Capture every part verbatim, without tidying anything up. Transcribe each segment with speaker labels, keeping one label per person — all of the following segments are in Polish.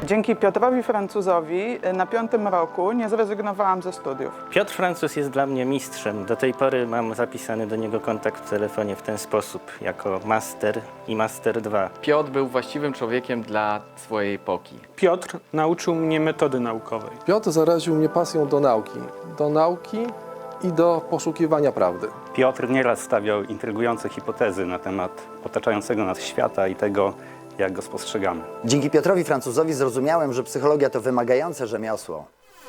Speaker 1: Dzięki Piotrowi Francuzowi na piątym roku nie zrezygnowałam ze studiów.
Speaker 2: Piotr Francuz jest dla mnie mistrzem. Do tej pory mam zapisany do niego kontakt w telefonie w ten sposób, jako master i master dwa.
Speaker 3: Piotr był właściwym człowiekiem dla swojej epoki.
Speaker 4: Piotr nauczył mnie metody naukowej.
Speaker 5: Piotr zaraził mnie pasją do nauki. Do nauki i do poszukiwania prawdy.
Speaker 6: Piotr nieraz stawiał intrygujące hipotezy na temat otaczającego nas świata i tego, jak go spostrzegamy.
Speaker 7: Dzięki Piotrowi Francuzowi zrozumiałem, że psychologia to wymagające rzemiosło.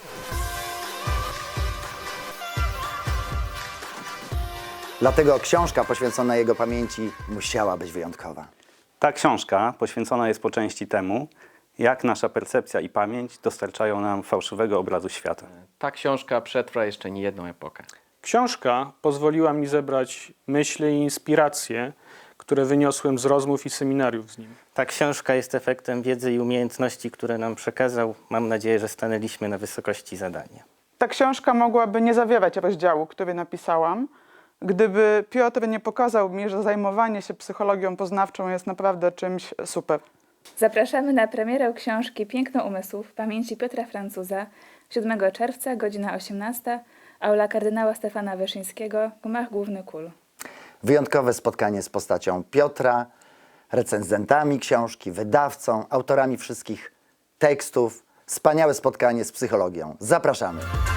Speaker 7: Dlatego książka poświęcona jego pamięci musiała być wyjątkowa.
Speaker 6: Ta książka poświęcona jest po części temu, jak nasza percepcja i pamięć dostarczają nam fałszywego obrazu świata.
Speaker 3: Ta książka przetrwa jeszcze nie jedną epokę.
Speaker 4: Książka pozwoliła mi zebrać myśli i inspiracje, które wyniosłem z rozmów i seminariów z nim.
Speaker 2: Ta książka jest efektem wiedzy i umiejętności, które nam przekazał. Mam nadzieję, że stanęliśmy na wysokości zadania.
Speaker 1: Ta książka mogłaby nie zawierać rozdziału, który napisałam, gdyby Piotr nie pokazał mi, że zajmowanie się psychologią poznawczą jest naprawdę czymś super.
Speaker 8: Zapraszamy na premierę książki Piękno umysłów pamięci Piotra Francuza siódmego czerwca, godzina osiemnasta, aula kardynała Stefana Wyszyńskiego, gmach główny K U L.
Speaker 7: Wyjątkowe spotkanie z postacią Piotra, recenzentami książki, wydawcą, autorami wszystkich tekstów. Wspaniałe spotkanie z psychologią. Zapraszamy.